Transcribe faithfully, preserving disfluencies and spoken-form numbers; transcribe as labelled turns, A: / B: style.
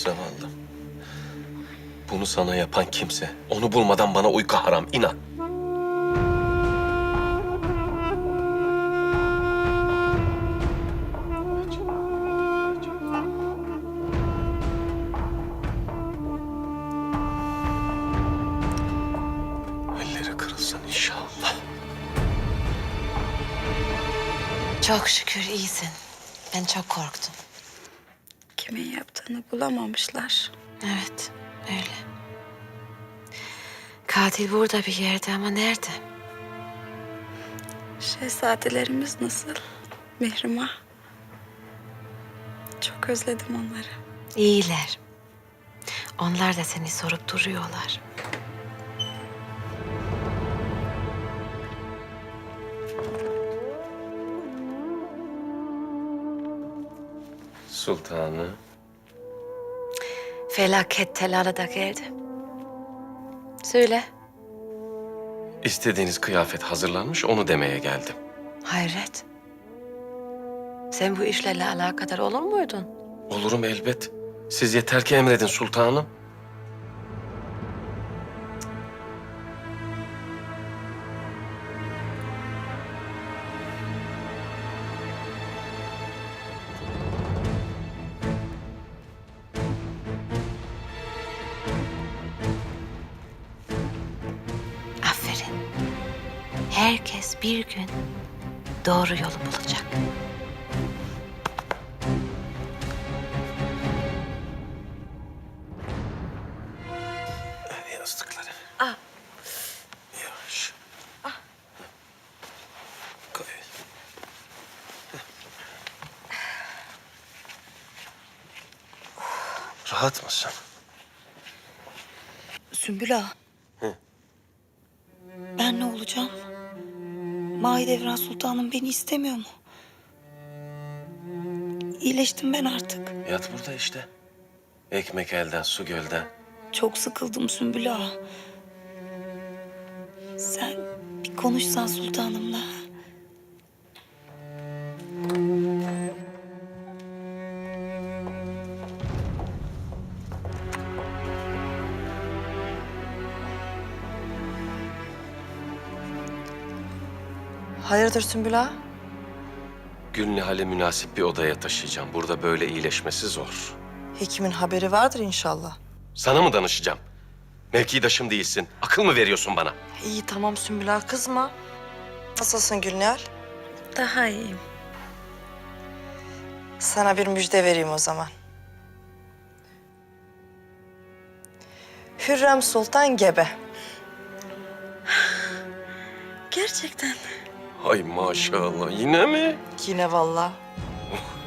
A: zavallı. Bunu sana yapan kimse, onu bulmadan bana uyku haram, inan. Elleri kırılsın inşallah.
B: Çok şükür iyisin. Ben çok korktum.
C: Kimin yaptığını bulamamışlar.
B: Evet, öyle. Katil burada bir yerde ama nerede?
C: Şehzadelerimiz nasıl? Mihrimah. Çok özledim onları.
B: İyiler. Onlar da seni sorup duruyorlar.
A: Sultanı.
B: Felaket telalı da geldi. Söyle.
A: İstediğiniz kıyafet hazırlanmış, onu demeye geldim.
B: Hayret. Sen bu işlerle alakadar olur muydun?
A: Olurum elbet. Siz yeter ki emredin sultanım.
B: Aferin. Herkes bir gün doğru yolu bulacak.
A: Yastıkları.
B: Ah.
A: Yavaş. Koy. Rahat mısın?
C: Sümbül Ağa.
A: Hı.
C: Ben ne olacağım? Mahidevran Sultanım beni istemiyor mu? İyileştim ben artık.
A: Yat burada işte. Ekmek elden, su gölden.
C: Çok sıkıldım Sümbül Ağa. Sen bir konuşsan sultanımla.
D: Hayırdır Sümbül Ağa?
A: Gülnihal'i münasip bir odaya taşıyacağım. Burada böyle iyileşmesi zor.
D: Hekimin haberi vardır inşallah.
A: Sana mı danışacağım? Mevkidaşım değilsin. Akıl mı veriyorsun bana?
D: İyi tamam Sümbül Ağa kızma. Nasılsın Gülnihal?
C: Daha iyiyim.
D: Sana bir müjde vereyim o zaman. Hürrem Sultan gebe.
C: Gerçekten.
A: Ay maşallah. Yine mi?
D: Yine vallahi.